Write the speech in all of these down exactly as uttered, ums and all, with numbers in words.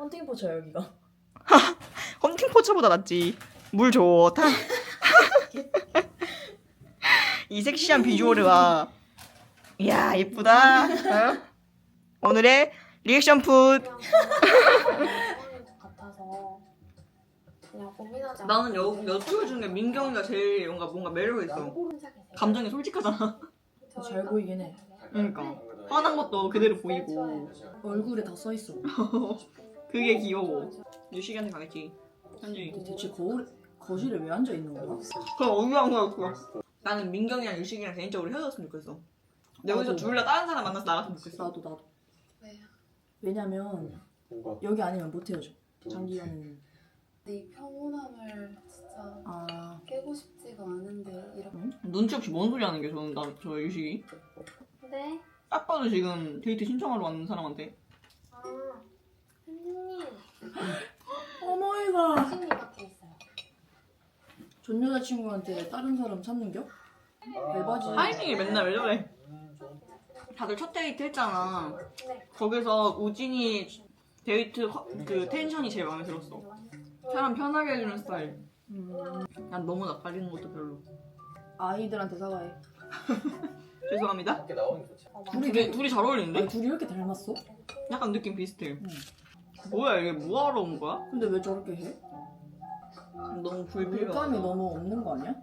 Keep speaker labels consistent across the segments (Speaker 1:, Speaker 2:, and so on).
Speaker 1: 헌팅 포차야 여기가.
Speaker 2: 헌팅 포차보다 낫지. 물 좋다. 이 섹시한 비주얼을 봐. 이야 예쁘다. 어? 오늘의 리액션 풋.
Speaker 3: 같아서 그냥 고민하지 않고
Speaker 2: 나는 여 여쭈어 중에 민경이가 제일 뭔가 뭔가 매력 있어. 감정이 솔직하잖아.
Speaker 1: 잘 보이긴 해.
Speaker 2: 그러니까 화난 것도 그대로 보이고
Speaker 1: 얼굴에 다 써 있어.
Speaker 2: 그게 귀여워. 유식이한테 가겠지. 현지.
Speaker 1: 대체 거울 거실에 왜 앉아 있는 거야?
Speaker 2: 그럼 어디가 거야? 나는 민경이랑 유식이랑 개인적으로 헤어졌으면 좋겠어. 여기서
Speaker 1: 나도.
Speaker 2: 둘 다 다른 사람 만나서 나갔으면 좋겠어.
Speaker 1: 나도 나도.
Speaker 3: 왜요?
Speaker 1: 왜냐면
Speaker 4: 뭔가
Speaker 1: 여기 아니면 못 헤어져. 장기간은.
Speaker 3: 네 평온함을 진짜
Speaker 1: 아
Speaker 3: 깨고 싶지가 않은데 이렇게
Speaker 2: 눈치 없이 뭔 소리 하는 게 저는 나, 저 유식이.
Speaker 3: 네?
Speaker 2: 딱 봐도 지금 데이트 신청하러 왔는 사람한테.
Speaker 3: 아 선생님
Speaker 1: 어머이가
Speaker 3: 신님 밖에 있어요.
Speaker 1: 전 여자친구한테 다른 사람 찾는겨? 대박이지.
Speaker 2: 타이밍이 맨날 왜 저래? 다들 첫 데이트 했잖아.
Speaker 3: 네.
Speaker 2: 거기서 우진이 데이트 허- 그 텐션이 제일 마음에 들었어. 사람 편하게 해주는 스타일.
Speaker 1: 음,
Speaker 2: 난 너무 낯가리는 것도 별로.
Speaker 1: 아이들한테 사과해.
Speaker 2: 죄송합니다.
Speaker 4: 밖에 나오는 게 좋지.
Speaker 3: 어,
Speaker 1: 둘이
Speaker 2: 둘이, 둘이 잘
Speaker 1: 아니,
Speaker 2: 어울리는데?
Speaker 1: 둘이 이렇게 닮았어?
Speaker 2: 약간 느낌 비슷해.
Speaker 1: 응.
Speaker 2: 뭐야 이게 뭐하러 온 거야?
Speaker 1: 근데 왜 저렇게 해?
Speaker 2: 너무 불필요하다.
Speaker 1: 물감이 너무 없는 거 아니야?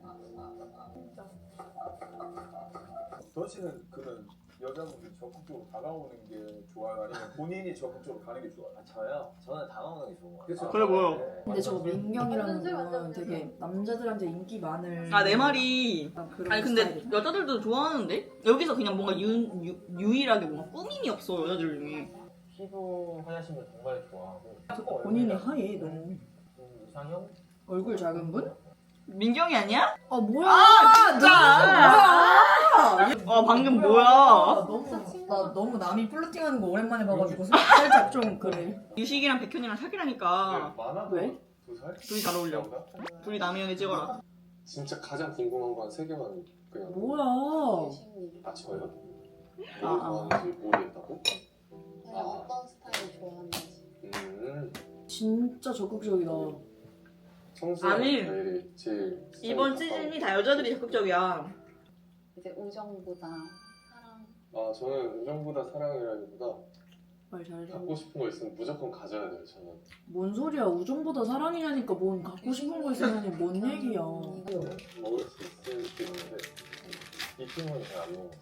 Speaker 4: 더 씨는 그런 여자분들이 적극적으로 다가오는 게 좋아요? 아니면 본인이 적극적으로 가는 게 좋아요?
Speaker 5: 아 저요? 저는 당황하는 게 좋은 것 같아요.
Speaker 4: 그쵸?
Speaker 2: 그래 보여.
Speaker 5: 네.
Speaker 1: 근데 저 민경이라는 분은 되게 남자들한테 인기 많을
Speaker 2: 아 내 말이.
Speaker 1: 약간 그런
Speaker 2: 아니 근데
Speaker 1: 스타일이야.
Speaker 2: 여자들도 좋아하는데? 여기서 그냥 뭔가 유, 유, 유일하게 뭔가 꾸밈이 없어 여자들 중에.
Speaker 5: 피부 하얗신 분 정말 좋아하고.
Speaker 1: 본인이 하얘 너무.
Speaker 5: 음, 이상형?
Speaker 1: 얼굴 작은 분?
Speaker 2: 민경이 아니야?
Speaker 1: 아 뭐야?
Speaker 2: 아 진짜!
Speaker 1: 뭐야?
Speaker 2: 어 방금
Speaker 1: 아,
Speaker 2: 뭐야?
Speaker 1: 너무 나 너무 남이 플러팅하는 거 오랜만에 봐가지고 살짝 좀 그래.
Speaker 2: 유식이랑 백현이랑 사귀라니까.
Speaker 4: 많아도
Speaker 1: 왜?
Speaker 4: 두 살?
Speaker 2: 둘이 잘 어울려. 둘이 남이형에 찍어라.
Speaker 4: 진짜 가장 궁금한 거 한 세 개만 그냥
Speaker 1: 뭐야?
Speaker 3: 신님
Speaker 4: 아 저요?
Speaker 1: 아,
Speaker 4: 뭘
Speaker 1: 아.
Speaker 4: 좋아하는지 모르겠다고?
Speaker 3: 그냥 어떤 스타일을 좋아하는지
Speaker 4: 음
Speaker 1: 진짜 적극적이다.
Speaker 4: 성수형
Speaker 2: 아니,
Speaker 4: 스타일이 제일
Speaker 2: 이번
Speaker 4: 스타일이
Speaker 2: 시즌이 다 여자들이 적극적이야.
Speaker 3: 이제 우정보다 사랑
Speaker 4: 가까워. 아 저는 우정보다 사랑이라기보다
Speaker 1: 말 잘해.
Speaker 4: 갖고 싶은 거 있으면 무조건 가져야 돼요 저는.
Speaker 1: 뭔 소리야? 우정보다 사랑이냐니까 뭔 갖고 싶은 거 있으면 뭔 얘기야?
Speaker 4: 먹을 수 있을 수 있는데 이 팀은 잘 안 먹어.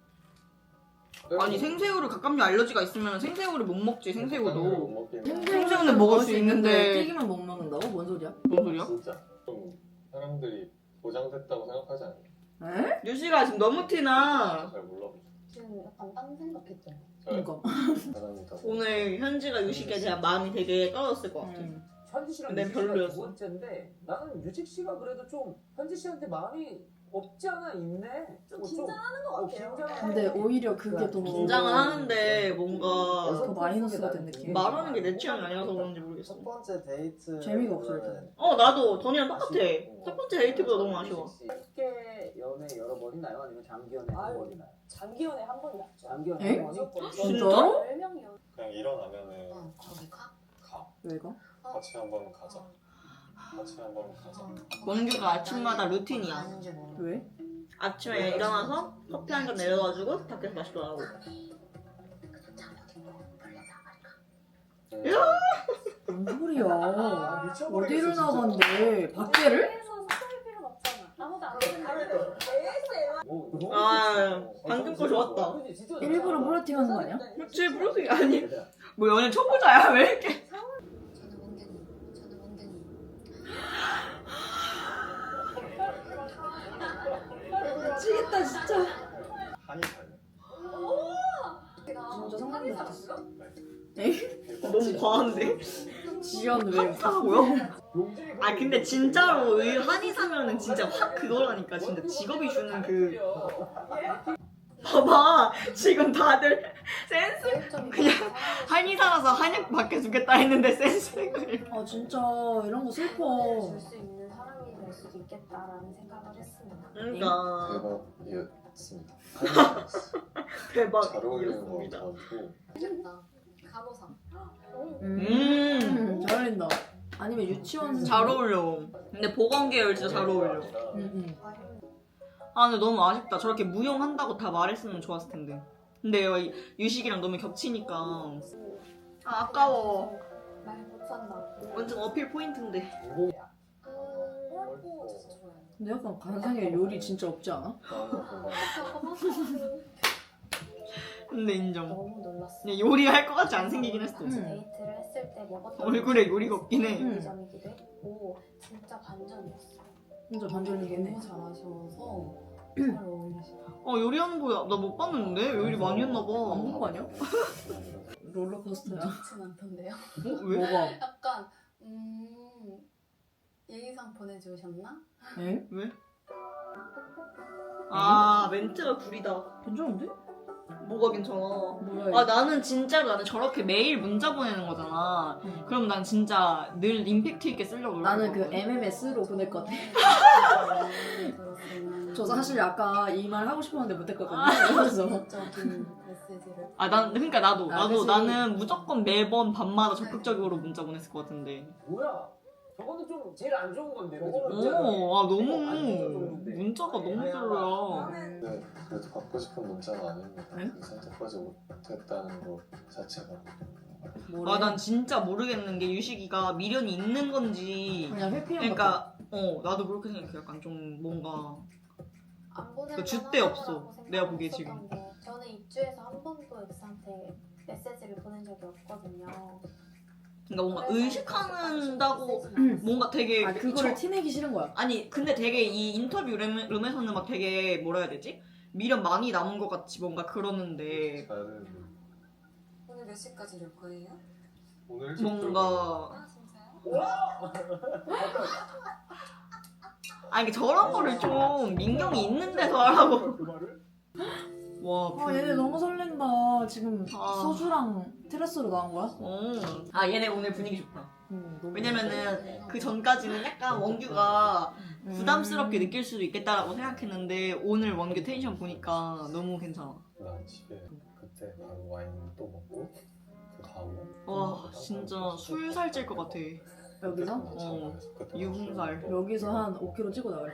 Speaker 2: 아니 생새우를 갑각류 알러지가 있으면 생새우를 못 먹지
Speaker 4: 못
Speaker 2: 생새우도.
Speaker 4: 먹긴 해.
Speaker 2: 생새우는 먹을 수 있는데.
Speaker 1: 튀기만 못 먹는다고? 뭔 소리야?
Speaker 2: 뭔 소리야?
Speaker 4: 진짜 좀 사람들이 보장됐다고 생각하지 않아요?
Speaker 1: 에?
Speaker 2: 유식아 지금 너무 티나.
Speaker 4: 잘 몰라보죠.
Speaker 3: 지금 약간 딴 생각했죠.
Speaker 4: 저요?
Speaker 1: 그러니까.
Speaker 4: 사람이다.
Speaker 2: 오늘 현지가 유식에 대한 마음이 되게 떨어졌을 것 같아.
Speaker 1: 음.
Speaker 5: 현지 씨랑
Speaker 2: 난
Speaker 5: 유직 씨가
Speaker 2: 별로였어.
Speaker 5: 두 번째인데 나는 유직 씨가 그래도 좀 현지 씨한테 마음이 없지 않아 있네. 좀 긴장하는 것 같아요.
Speaker 1: 근데 오히려 그게 더
Speaker 2: 긴장은 하는데 뭔가
Speaker 1: 더 마이너스가 된 느낌.
Speaker 2: 말하는 게 내 취향이 아니라서 그런지 모르겠어.
Speaker 5: 첫 번째 데이트
Speaker 1: 재미가 없을 텐데.
Speaker 2: 어 나도 전이랑 똑같아. 첫 번째 데이트보다 너무 아쉬워.
Speaker 5: 짧게 연애 여러 번이나요? 아니면 장기 연애 한 번이나요?
Speaker 6: 장기 연애 한 번이 낫죠.
Speaker 5: 장기 연애
Speaker 1: 에?
Speaker 5: 한 번이?
Speaker 1: 진짜로?
Speaker 6: 열 명이요.
Speaker 4: 그냥 일어나면은
Speaker 3: 어 거기 가?
Speaker 4: 가.
Speaker 1: 왜 가?
Speaker 4: 같이 한번 가자. 같이 한번 가자.
Speaker 2: 원규가 아침마다 루틴이야.
Speaker 3: 아는지 모르.
Speaker 1: 왜?
Speaker 2: 아침에 일어나서 커피 한 잔 내려가지고 밖에서 마시더라고.
Speaker 4: 음,
Speaker 1: 뭔 소리야?
Speaker 5: 아, 미쳐버리겠어,
Speaker 1: 어디를
Speaker 5: 진짜.
Speaker 1: 나간대? 밖에를?
Speaker 6: 그래서 섭섭할 필요는 없잖아. 아무도 안 듣는데. 에이에스엠알.
Speaker 5: 뭐, 너무
Speaker 2: 아,
Speaker 5: 좋지.
Speaker 2: 방금
Speaker 5: 어,
Speaker 2: 거 좋았다.
Speaker 5: 그치, 진짜
Speaker 1: 일부러
Speaker 5: 좋다.
Speaker 1: 플러팅하는 거 아니야?
Speaker 2: 그렇지 브로스 아니 뭐 연애 초보자야 왜 이렇게?
Speaker 3: 저는 원경이 저는 원경이
Speaker 1: 미치겠다 진짜.
Speaker 4: 한이 달려.
Speaker 1: 진짜 상상도 못했어.
Speaker 2: 너무 과한데?
Speaker 1: 지연 왜?
Speaker 2: 한사고요?
Speaker 5: 용진이
Speaker 2: 아 근데 진짜로 이 한의사면은 진짜 확 그거라니까 진짜 직업이 주는 그 봐봐 지금 다들 센스 그냥 한의사라서 한약 받게 주겠다 했는데 센스를
Speaker 1: 아 진짜 이런 거 슬퍼.
Speaker 6: 줄수 있는 사람이 될 수도 있겠다라는 생각을 했습니다.
Speaker 2: 그러니까
Speaker 4: 대박이었습니다.
Speaker 2: 대박
Speaker 4: 잘 어울리는 것
Speaker 2: 이었습니다.
Speaker 4: 같고
Speaker 3: 좋겠다. 간호사.
Speaker 1: 음.
Speaker 2: 음
Speaker 1: 아니면 유치원
Speaker 2: 잘 어울려. 근데 보건 계열 진짜 잘 어울려.
Speaker 1: 응응.
Speaker 2: 아 근데 너무 아쉽다. 저렇게 무용한다고 다 말했으면 좋았을 텐데. 근데 이 유식이랑 너무 겹치니까. 아 아까워.
Speaker 3: 말 못한다.
Speaker 2: 완전 어필 포인트인데.
Speaker 3: 음, 진짜 좋아요.
Speaker 1: 근데 약간 관상에 요리 진짜 없지 않아?
Speaker 2: 근데 인정.
Speaker 3: 너무 놀랐어.
Speaker 2: 그냥 요리할 것 같지 안 생기긴 했어.
Speaker 1: 음.
Speaker 3: 데이트를 했을 때 먹었던
Speaker 2: 얼굴에 요리가 없긴 해.
Speaker 1: 음.
Speaker 3: 점이기도 했고 진짜 반전이었어.
Speaker 1: 진짜 반전이긴 해.
Speaker 3: 너무 잘하셔서 잘 어울리시고.
Speaker 2: 어 요리하는 거 나 못 봤는데? 요리 많이 했나 봐.
Speaker 1: 안 본 거 아니야? 롤러코스터야.
Speaker 3: 좋진 않던데요?
Speaker 2: 어? 왜?
Speaker 1: 뭐가?
Speaker 3: 약간 음 예의상 보내주셨나?
Speaker 1: 에?
Speaker 2: 왜? 아 멘트가 구리다.
Speaker 1: 괜찮은데?
Speaker 2: 뭐가 괜찮아?
Speaker 1: 뭐야
Speaker 2: 아 나는 진짜로 나는 저렇게 매일 문자 보내는 거잖아.
Speaker 1: 응.
Speaker 2: 그럼 난 진짜 늘 임팩트 있게 쓰려고
Speaker 1: 나는 그
Speaker 2: 노력하거든.
Speaker 1: 엠엠에스로 보낼 것 같아. 저 사실 아까 이 말 하고 싶었는데 못했거든요. 그래서
Speaker 3: 적인 메시지를.
Speaker 2: 아, 난 그러니까 나도
Speaker 1: 아,
Speaker 2: 나도
Speaker 1: 그치.
Speaker 2: 나는 무조건 매번 밤마다 적극적으로 문자 보냈을 것 같은데.
Speaker 5: 뭐야? 저거는 좀 제일 안 좋은 건데.
Speaker 2: 오,
Speaker 5: 그치?
Speaker 2: 아 너무
Speaker 5: 어, 안 좋아졌는데.
Speaker 2: 문자가 너무 별로야.
Speaker 4: 네, 그래도 받고 싶은 문자는 아닙니다.
Speaker 1: 응?
Speaker 4: 그 선택하지 못했다는 것 자체가.
Speaker 1: 뭐래?
Speaker 2: 아 난 진짜 모르겠는 게 유식이가 미련이 있는 건지.
Speaker 1: 그냥 회피형 같아.
Speaker 2: 그러니까 어 나도 그렇게 생각해. 약간 좀 뭔가
Speaker 3: 안 보낼
Speaker 2: 그 줏대
Speaker 3: 만하다고
Speaker 2: 없어.
Speaker 3: 생각은
Speaker 2: 내가 보기에
Speaker 3: 했었던
Speaker 2: 지금.
Speaker 3: 게 저는 입주해서 한 번도 엑스한테 메시지를 보낸 적이 없거든요.
Speaker 2: 그러니까 뭔가
Speaker 3: 그래서
Speaker 2: 의식한다고
Speaker 3: 메시지는
Speaker 2: 뭔가 되게
Speaker 1: 아 그거를
Speaker 2: 저-
Speaker 1: 티내기 싫은 거야.
Speaker 2: 아니 근데 되게 이 인터뷰 룸, 룸에서는 막 되게 뭐라 해야 되지? 미련 많이 남은 것 같이 뭔가 그러는데
Speaker 4: 나는
Speaker 3: 오늘 몇 시까지 올 거예요?
Speaker 4: 오늘 일찍
Speaker 2: 뭔가
Speaker 3: 아 진짜요?
Speaker 2: 아니 저런 거를 좀 민경이 있는 데서 하라고.
Speaker 4: 그 말을?
Speaker 2: 와
Speaker 1: 아 얘네 너무 설렌다. 지금
Speaker 2: 아.
Speaker 1: 소주랑 테라스로 나온 거야?
Speaker 2: 어. 아 얘네 오늘 분위기 좋다.
Speaker 1: 응, 너무
Speaker 2: 왜냐면은 그 전까지는 약간 원규가
Speaker 1: 음.
Speaker 2: 부담스럽게 느낄 수도 있겠다라고 생각했는데 오늘 원규 텐션 보니까 너무 괜찮아.
Speaker 4: 난 집에 그때 바로 와인 또 먹고 그 다음에
Speaker 2: 와 진짜 술 살찔 것 같아.
Speaker 1: 여기서?
Speaker 2: 어. 유흥살.
Speaker 1: 여기서 한 오 킬로그램 찍고 나갈.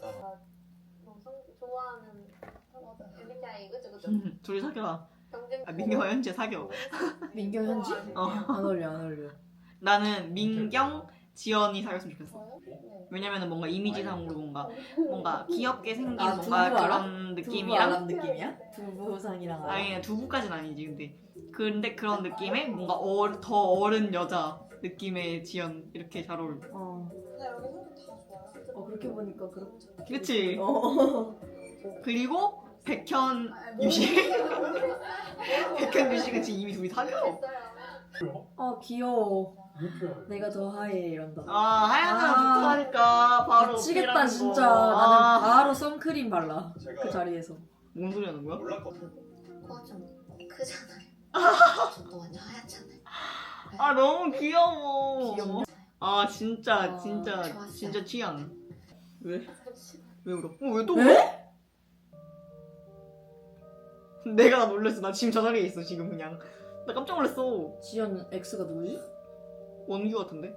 Speaker 3: 좋아하는 엠비티아이 그죠 그죠?
Speaker 2: 둘이 사겨라.
Speaker 3: 경쟁.
Speaker 2: 아, 민경과 현재 사겨.
Speaker 1: 민경 현지?
Speaker 2: 어.
Speaker 1: 안 어울려 안 어울려.
Speaker 2: 나는 민경, 지연이 사귀었으면 좋겠어.
Speaker 3: 저요? 네.
Speaker 2: 왜냐면은 뭔가 이미지상으로 뭔가 뭔가 귀엽게 생긴
Speaker 1: 아,
Speaker 2: 뭔가
Speaker 1: 두부 알아?
Speaker 2: 그런
Speaker 1: 두부
Speaker 2: 느낌이랑
Speaker 1: 알람 느낌이야? 두부상이랑 알아.
Speaker 2: 아니 두부까지는 아니지 근데 근데 그런 느낌의 뭔가 어, 더 어른 여자 느낌의 지연 이렇게 잘 어울려.
Speaker 1: 어.
Speaker 3: 근데 여기 성격 다 좋아요.
Speaker 1: 어 그렇게 보니까 그렇.
Speaker 2: 그치?
Speaker 1: 어.
Speaker 2: 그리고 백현 유식. 백현 유식은 지금 이미 둘이 사겨.
Speaker 1: 아 귀여워.
Speaker 4: 유쾌하게.
Speaker 1: 내가 더 하얘 이런다.
Speaker 2: 아 하얀 사람
Speaker 1: 아.
Speaker 2: 좋다니까 바로
Speaker 1: 미치겠다
Speaker 2: 어필하는
Speaker 1: 진짜.
Speaker 2: 거.
Speaker 1: 나는
Speaker 2: 아.
Speaker 1: 바로 선크림 발라.
Speaker 4: 제가
Speaker 1: 그 자리에서.
Speaker 2: 뭔 소리 하는 거야?
Speaker 4: 몰랐거든.
Speaker 3: 코가 좀 크잖아요. 저도 완전 하얗잖아요.
Speaker 2: 아 너무 귀여워.
Speaker 1: 귀엽냐?
Speaker 2: 아 진짜
Speaker 3: 어,
Speaker 2: 진짜
Speaker 3: 좋았어요.
Speaker 2: 진짜 취향. 왜?
Speaker 3: 잠시만.
Speaker 2: 왜 울어? 어, 왜 또
Speaker 1: 왜?
Speaker 2: 울어? 내가 나 놀랬어. 나 지금 저 자리에 있어 지금 그냥. 나 깜짝 놀랐어.
Speaker 1: 지연 X가 누구지?
Speaker 2: 원규 같은데?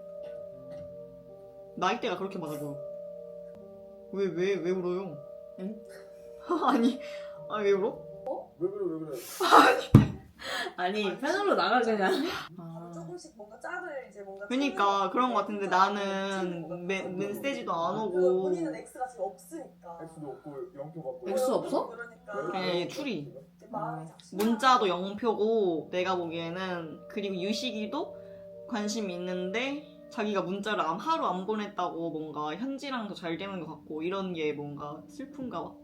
Speaker 2: 나이대가 그렇게 맞아 보여. 왜 왜 왜 울어요?
Speaker 1: 응?
Speaker 2: 아니 아니 왜 울어?
Speaker 4: 왜 그래 왜 그래?
Speaker 1: 아니 패널로 나가 그냥. 아.
Speaker 6: 조금씩 뭔가 짝을 이제 뭔가
Speaker 2: 그러니까 그런 거 같은데 나는 메, 메시지도 안 오고
Speaker 6: 본인은 X가 지금 없으니까
Speaker 4: X도 없고 영표 받고.
Speaker 1: X 없어?
Speaker 6: 그러니까
Speaker 2: 그냥 얘 추리.
Speaker 6: 이제 마음이 작심한
Speaker 2: 문자도 영표고 내가 보기에는 그리고 유식이도 관심이 있는데 자기가 문자를 안- 하루 안 보냈다고 뭔가 현지랑 더 잘 되는 것 같고 이런 게 뭔가 슬픈가 봐.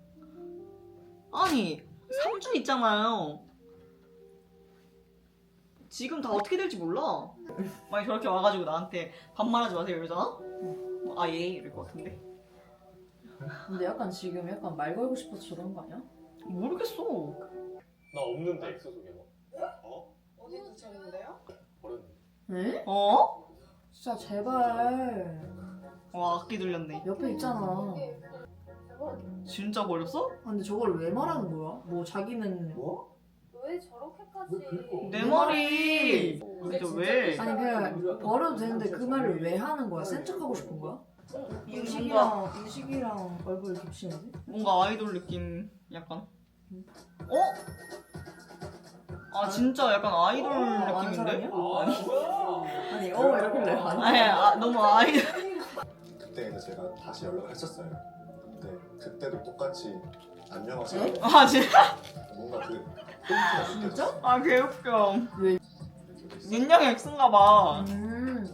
Speaker 2: 아니 삼 주 있잖아요. 지금 다 어떻게 될지 몰라. 만약 저렇게 와가지고 나한테 반말하지 마세요 이러잖아? 아 예 이럴 것 같은데.
Speaker 1: 근데 약간 지금 약간 말 걸고 싶어서 저러는 거 아니야?
Speaker 2: 모르겠어.
Speaker 4: 나 없는데 X 속에 막. 어?
Speaker 6: 어디 두셨는데요?
Speaker 4: 버렸는데.
Speaker 1: 에?
Speaker 2: 어?
Speaker 1: 진짜 제발.
Speaker 2: 와 악기 들렸네.
Speaker 1: 옆에 있잖아.
Speaker 2: 진짜 버렸어?
Speaker 1: 아, 근데 저걸 왜 말하는 거야? 뭐 자기는
Speaker 4: 뭐?
Speaker 3: 왜 저렇게까지?
Speaker 4: 왜 긁어?
Speaker 2: 내 머리.
Speaker 3: 오.
Speaker 2: 진짜 왜?
Speaker 1: 아니 그냥 버려도 되는데 그 말을 왜 하는 거야? 센 척하고 싶은 거야?
Speaker 2: 뭔가
Speaker 1: 유식이랑 유식이랑 얼굴 겹치는데?
Speaker 2: 뭔가 아이돌 느낌 약간. 어? 아 진짜 약간 아이돌
Speaker 1: 아는
Speaker 2: 느낌인데?
Speaker 1: 사람이야?
Speaker 2: 아니.
Speaker 5: 뭐야?
Speaker 1: 아니 어 이러길래 아니
Speaker 2: 아니 아, 너무 아이돌.
Speaker 7: 그때 이제 제가 다시 연락했었어요. 근데 그때도 똑같이 안녕하세요.
Speaker 2: 아 진짜?
Speaker 7: 뭔가 그 포인트가
Speaker 1: 진짜?
Speaker 7: 느껴졌어요.
Speaker 2: 아 개웃겨.
Speaker 1: 왜?
Speaker 2: 윤영이 X인가 봐.
Speaker 1: 음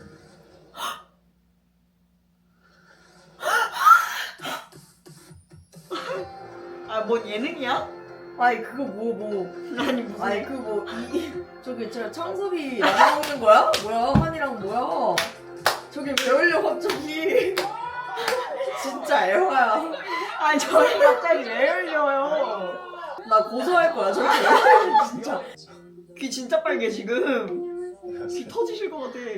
Speaker 2: 아 뭔 예능이야?
Speaker 1: 아니 그거 뭐 뭐
Speaker 2: 아니 무슨
Speaker 1: 아니 그거 이 저기 저 청섭이 나눠 먹는 거야? 뭐야 환이랑 뭐야? 저기 왜 올려 갑자기? 진짜 애화야.
Speaker 2: 아니 저희 갑자기 왜 열려요?
Speaker 1: 나 고소할 거야 저기 왜 올려 진짜.
Speaker 2: 귀 진짜 빨개 지금. 귀 터지실 것 같아.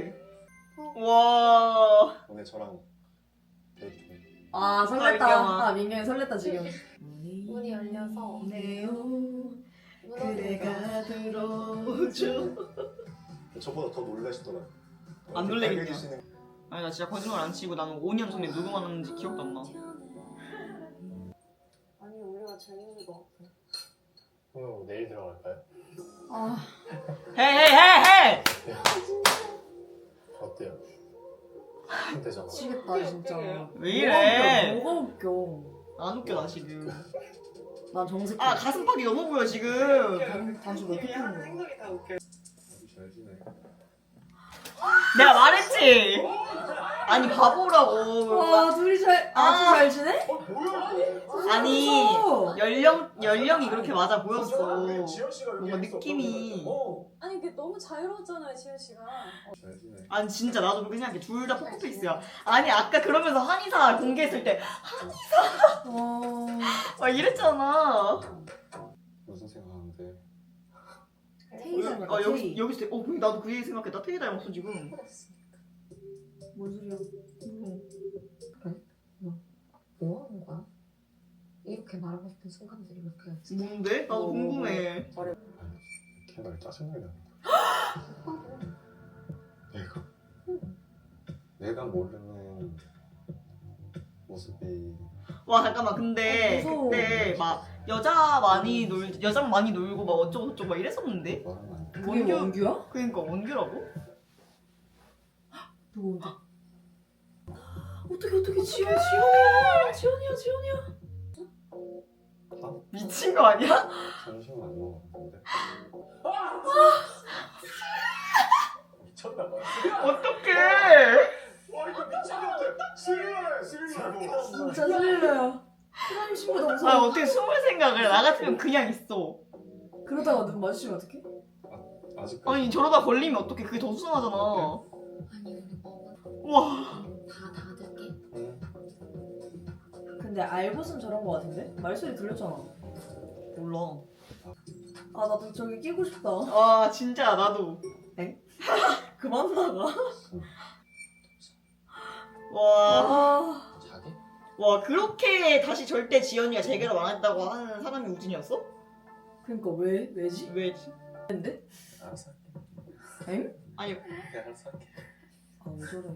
Speaker 2: 와.
Speaker 7: 오늘 저랑 데이트.
Speaker 1: 아
Speaker 2: 아,
Speaker 1: 설렜다.
Speaker 2: 민경아.
Speaker 1: 아 민경이 설렜다 지금.
Speaker 3: 문이 열려서
Speaker 1: 네요.
Speaker 3: 무너지는
Speaker 1: 그대가 들어오죠.
Speaker 7: 저보다 더 놀라시더라고요.
Speaker 2: 안 놀래겠냐.
Speaker 7: 빨개지시는
Speaker 2: 아니 나 진짜 거짓말 안 치고 나는 오 년 전에 누구 만났는지 기억도 안 나.
Speaker 6: 아니 우리가 재밌는 거 같아.
Speaker 7: 그럼 내일 들어갈까요?
Speaker 1: 아
Speaker 2: 헤헤헤헤!
Speaker 7: 어때요? 되잖아.
Speaker 1: 미치겠다 진짜.
Speaker 2: 왜 이래?
Speaker 1: 뭐가 웃겨? 뭐가 웃겨?
Speaker 2: 안 웃겨 나 지금.
Speaker 1: 난 정색해.
Speaker 2: 아 가슴팍이 너무 보여 지금.
Speaker 1: 당- 당신 왜 이렇게 푸는 거야?
Speaker 7: 잘 지내.
Speaker 2: 내가 말했지. 아니 바보라고.
Speaker 1: 와 둘이 잘 아주
Speaker 2: 아.
Speaker 1: 잘 지내?
Speaker 4: 어 뭐야?
Speaker 2: 아니
Speaker 1: 무서워.
Speaker 2: 연령 연령이 그렇게 맞아
Speaker 4: 저 앞에
Speaker 2: 보였어.
Speaker 4: 지현 씨가
Speaker 2: 뭔가
Speaker 4: 여기 있었거든요.
Speaker 2: 느낌이.
Speaker 4: 어.
Speaker 6: 아니 그게 너무 자유로웠잖아요 지현 씨가.
Speaker 7: 잘 지내.
Speaker 2: 아니 진짜 나도 그렇게 생각해. 둘 다 포커페이스야. 아니 아까 그러면서 한의사 공개했을 때
Speaker 1: 어.
Speaker 2: 막 이랬잖아.
Speaker 7: 무슨 생각하는데?
Speaker 1: 테이 닮았다.
Speaker 2: 아 여기
Speaker 1: 테이.
Speaker 2: 여기서 어 근데 나도 그 얘기 생각했다. 태희 닮았어 지금.
Speaker 1: 뭔 소리야?
Speaker 3: 뭐 하는 거야? 이렇게 말하고 싶은 순간들이 몇 개였지?
Speaker 2: 뭔데? 나도
Speaker 1: 뭐,
Speaker 2: 궁금해.
Speaker 7: 걔날 짜증나게 하는 거야. 내가? 내가 모르는 모습이
Speaker 2: 와 잠깐만 근데
Speaker 1: 어, 무서워.
Speaker 2: 그때 막 여자 많이 놀 여자랑 많이 놀고 막 어쩌고 저쩌고 막 이랬었는데.
Speaker 7: 말하면 안 돼.
Speaker 1: 그게
Speaker 2: 원규-
Speaker 1: 원규야?
Speaker 2: 그러니까 원규라고?
Speaker 1: 누구 원규? 어떻게 어떻게 지현 지현이야 지현이야 지현이야.
Speaker 2: 미친 거 아니야?
Speaker 7: 점심은 안 먹었는데.
Speaker 4: 미쳤나 봐.
Speaker 2: 어떡해.
Speaker 4: 와 이거 미친 놈들. 스릴러야 스릴러.
Speaker 1: 진짜 스릴러야. 사람 친구도 무서워.
Speaker 2: 아 어떻게 숨을 생각을 해? 나 같으면 그냥 있어.
Speaker 1: 그러다가 눈 마주치면 어떡해?
Speaker 7: 아직까지.
Speaker 2: 아니 저러다 걸리면 어떡해. 그게 더 수상하잖아.
Speaker 3: 아니 우리 먹은
Speaker 2: 우와.
Speaker 3: 다 닫을게.
Speaker 7: 응.
Speaker 1: 근데 알고선 저런 거 같은데? 말소리 들렸잖아.
Speaker 2: 몰라.
Speaker 1: 아 나도 저기 끼고 싶다.
Speaker 2: 아 진짜 나도.
Speaker 1: 그만 나가.
Speaker 2: 와.
Speaker 1: 아
Speaker 7: 자기?
Speaker 2: 와 그렇게 다시 절대 지연이가 재결합 안 했다고 하는 사람이 우진이었어?
Speaker 1: 그러니까 왜 왜지?
Speaker 2: 왜지?
Speaker 1: 근데?
Speaker 7: 알았어 할게.
Speaker 1: 엥?
Speaker 2: 아니
Speaker 7: 그냥 알았어 할게.
Speaker 1: 아왜 저래?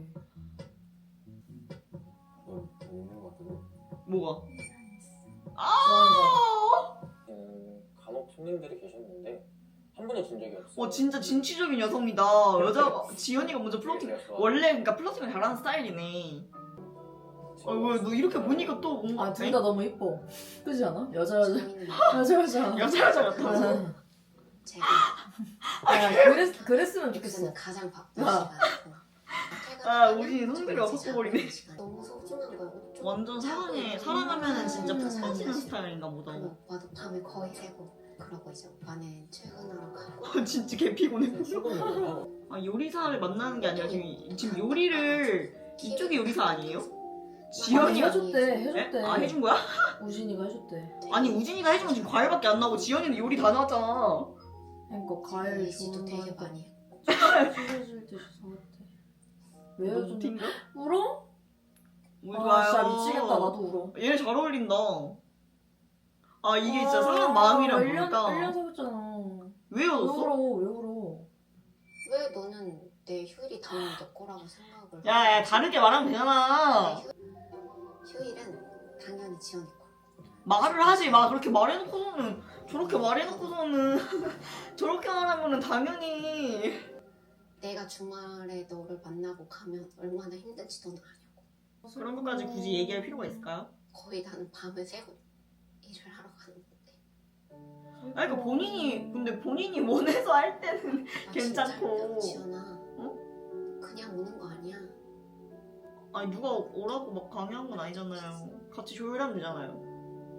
Speaker 7: 넌 있는 거 같은데?
Speaker 2: 뭐가?
Speaker 1: 좋아하는 거.
Speaker 2: 아!
Speaker 8: 음, 간혹 손님들이 계셨는데 한 분이 준 적이 없어.
Speaker 2: 어 진짜 진취적인 여성이다. 여자 지연이가 먼저 플러팅. 원래 그러니까 플러팅을 잘하는 스타일이네. 어왜너 이렇게 보니까 또 뭔가
Speaker 1: 아 둘 다 너무 이뻐. 그지 않아? 여자 여자
Speaker 3: 재밌는
Speaker 1: 여자 여자.
Speaker 2: 여자 여자 같아.
Speaker 3: 제가
Speaker 1: 야 그랬 그랬으면 좋겠어.
Speaker 3: 그때는 가장 바쁜
Speaker 1: 아.
Speaker 3: 시간이고
Speaker 2: 아, 우진이 성대가 섞어버리네.
Speaker 3: 너무 소중한 거야. 어쩌-
Speaker 2: 완전 사랑해. 사랑하면은 진짜 푹 빠지는 스타일인가 보다.
Speaker 3: 그럼 오빠도 밤에 거의 새고 그러고 이제 오빠는 출근하러 가고
Speaker 2: 진짜 개 피곤해.
Speaker 8: 출근을
Speaker 2: 아 요리사를 만나는 게 아니라 지금 지금 요리를 이쪽이 요리사 아니에요?
Speaker 1: 아니,
Speaker 2: 지연이가
Speaker 1: 해줬대
Speaker 2: 에?
Speaker 1: 해줬대.
Speaker 2: 아 해준 거야?
Speaker 1: 우진이가 해줬대.
Speaker 2: 아니 우진이가 해준 건 지금 과일밖에 안 나오고 지연이는 요리 다 나왔잖아.
Speaker 1: 그러니까 과일
Speaker 3: 지도
Speaker 1: 좋은
Speaker 3: 되게
Speaker 1: 거
Speaker 3: 많이 해.
Speaker 1: 소개해줄 때 사왔대. 왜
Speaker 2: 너
Speaker 1: 해줬대?
Speaker 2: 무팅가?
Speaker 1: 울어?
Speaker 2: 울
Speaker 1: 아 진짜 미치겠다 나도 울어.
Speaker 2: 얘네 잘 어울린다. 아 이게 진짜
Speaker 1: 아,
Speaker 2: 사람 마음이랑
Speaker 1: 일 년,
Speaker 2: 뭘까?
Speaker 1: 일 년 사귀었잖아.
Speaker 2: 왜
Speaker 1: 왜
Speaker 2: 헤어졌어?
Speaker 1: 울어 왜 울어?
Speaker 9: 왜 너는 내 휴일이 당연히 내 거라고 생각을
Speaker 2: 야, 야 다르게 말하면 되잖아.
Speaker 9: 내 휴, 휴일은 당연히 지연이 거.
Speaker 2: 말을 하지 마. 그렇게 말해놓고서는 저렇게 말해놓고서는 저렇게 말하면은 당연히
Speaker 9: 내가 주말에 너를 만나고 가면 얼마나 힘든지 너는 아냐고.
Speaker 2: 그런 것까지 굳이 얘기할 필요가 있을까요?
Speaker 9: 거의 나는 밤을 새고 일을 하러 가는데.
Speaker 2: 아니 그러니까 본인이 근데 본인이 원해서 할 때는
Speaker 9: 아,
Speaker 2: 괜찮고.
Speaker 9: 진짜 지연아. 어? 그냥 오는 거 아니야.
Speaker 2: 아니 누가 오라고 막 강요한 건 아니잖아요. 같이 조율하면 되잖아요.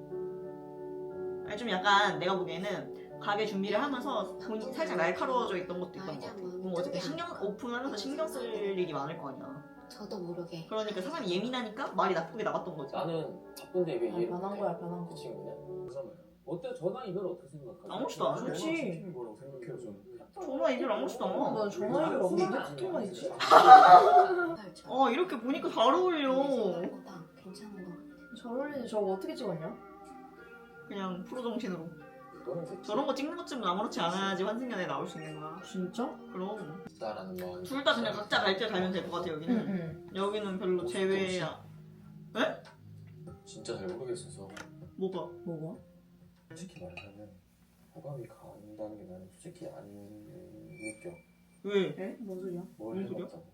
Speaker 2: 아니 좀 약간 내가 보기에는 가게 준비를 하면서 본인 살짝 날카로워져 있던 것도 있던 것 같아. 뭐 어차피 신경 오픈하면서 신경 쓸 일이 많을 거 아니야.
Speaker 9: 저도 모르게.
Speaker 2: 그러니까 사람이 예민하니까 말이 나쁘게 나갔던 거지.
Speaker 8: 나는 바쁜데 왜
Speaker 1: 아,
Speaker 8: 이해를
Speaker 1: 변한
Speaker 8: 못해?
Speaker 1: 거야, 변한
Speaker 8: 그
Speaker 1: 거.
Speaker 8: 친구는?
Speaker 4: 그러잖아요.
Speaker 5: 어때? 전화 이별 어떻게 생각하세요?
Speaker 2: 아무렇지도 않아.
Speaker 1: 그렇지.
Speaker 4: 시키는 거라고 생각해요 저는.
Speaker 2: 전화 이별 아무렇지도 않아.
Speaker 1: 나 전화기를 없는데 카톡만 있지?
Speaker 2: 어 이렇게 보니까 잘 어울려.
Speaker 9: 생각보다 괜찮은 거 같아.
Speaker 1: 잘 어울리지. 저거 어떻게 찍었냐?
Speaker 2: 그냥 프로 정신으로.
Speaker 4: 그거는 좋지.
Speaker 2: 저런 거 찍는 것쯤은 아무렇지 않아야지 환승연애에 나올 수 있는 거야.
Speaker 1: 진짜?
Speaker 2: 그럼
Speaker 8: 있다라는 마음.
Speaker 2: 둘 다 그냥 각자 갈 길 가면 될 것 같아 여기는.
Speaker 1: 응.
Speaker 2: 여기는 별로 제외야.
Speaker 8: 진짜 잘 모르겠어서
Speaker 2: 뭐가?
Speaker 1: 뭐가?
Speaker 8: 솔직히 말하면 호감이 간다는 게 나는 솔직히 안 느껴.
Speaker 2: 왜?
Speaker 1: 에? 뭔 소리야?
Speaker 8: 뭘
Speaker 2: 뭔 소리야?
Speaker 8: 해봤다고.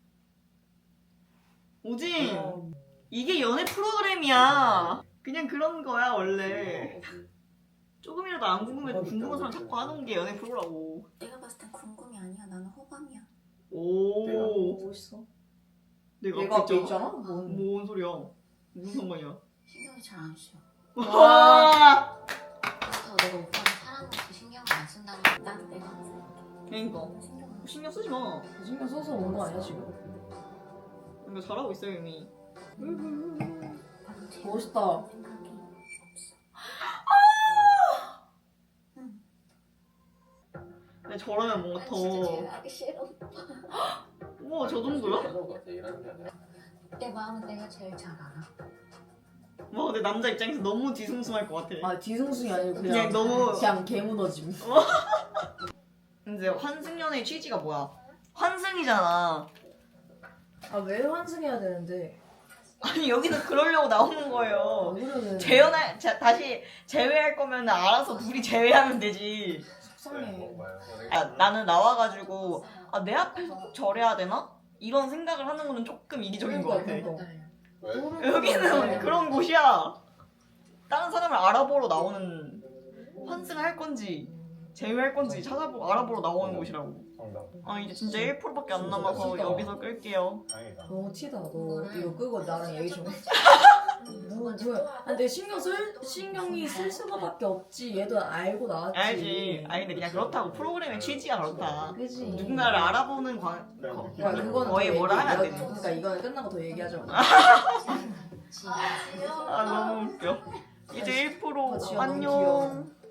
Speaker 2: 오진
Speaker 1: 어,
Speaker 2: 이게 연애 프로그램이야. 그냥 그런 거야 원래.
Speaker 8: 거지.
Speaker 2: 조금이라도 안 궁금해도 궁금한 사람 자꾸 하는 게 연애 프로라고.
Speaker 9: 내가 봤을 땐 궁금이 아니야. 나는 호감이야.
Speaker 2: 오.
Speaker 1: 멋있어.
Speaker 2: 내가
Speaker 1: 얘가 앞에
Speaker 2: 앞에
Speaker 1: 있잖아?
Speaker 2: 있잖아?
Speaker 1: 뭔.
Speaker 2: 뭔 소리야? 무슨 상관이야?
Speaker 9: 신경이 잘 안 쓰여.
Speaker 2: 와.
Speaker 9: 그래서 내가 오빠를 사랑하는 그 신경을 안 쓴다는 건 나도 내가 안 쓸게.
Speaker 2: 그러니까
Speaker 9: 신경 안 써.
Speaker 2: 신경 쓰지 마.
Speaker 1: 신경 써서 온 거 아니야 지금?
Speaker 2: 그러니까 잘하고 있어요 이미.
Speaker 9: 나도 제일
Speaker 1: 멋있다.
Speaker 9: 생각이 없어.
Speaker 2: 근데 저러면 뭔가
Speaker 9: 난 진짜
Speaker 2: 더.
Speaker 9: 제외하기 싫어.
Speaker 2: 우와 저 정도야?
Speaker 8: 하는 거 같아. 일하는 게 아니라.
Speaker 9: 내 마음은 내가 제일 잘 알아.
Speaker 2: 와 근데 남자 입장에서 너무 뒤숭숭할 것 같아.
Speaker 1: 아 뒤숭숭이 아니고 그냥,
Speaker 2: 그냥 너무-
Speaker 1: 그냥 개무너짐.
Speaker 2: 근데 환승연애의 취지가 뭐야? 환승이잖아.
Speaker 1: 아 왜 환승해야 되는데?
Speaker 2: 아니 여기는 그러려고 나오는 거예요.
Speaker 1: 그러면
Speaker 2: 재연할 자, 다시 제외할 거면 알아서 둘이 제외하면 되지.
Speaker 1: 속상해.
Speaker 4: 뭔가요?
Speaker 2: 아, 나는 나와가지고 아, 내 앞에서 꼭 저래야 되나? 이런 생각을 하는 거는 조금 이기적인 것 같아.
Speaker 1: 그러니까.
Speaker 4: 왜?
Speaker 2: 여기는 그런 곳이야. 다른 사람을 알아보러 나오는 환승을 할 건지 제외할 건지 찾아보고 알아보러 나오는 곳이라고.
Speaker 4: 정답.
Speaker 2: 아 이제 진짜 일 퍼센트밖에 안 남아서 여기서 끌게요.
Speaker 4: 다행이다.
Speaker 1: 너무 티다. 너 이거 끄고 나랑 얘기 좀 해. 뭐, 뭐야? 아, 근데 신경 쓸 신경이 쓸 수밖에 없지. 얘도 알고 나왔지.
Speaker 2: 알지. 아니 근데 그냥 그렇다고 프로그램의 취지가 그렇다.
Speaker 1: 그지.
Speaker 2: 누군가를 알아보는 관 거,
Speaker 1: 야, 그거는
Speaker 2: 거의
Speaker 1: 더
Speaker 2: 뭐라 하면 안
Speaker 1: 얘기-
Speaker 2: 되는
Speaker 1: 그러니까 이거는 끝나고 더 얘기하자.
Speaker 2: 아 너무 웃겨. 이제 일 퍼센트
Speaker 1: 아, 지연 너무
Speaker 2: 안녕.
Speaker 1: 귀여워.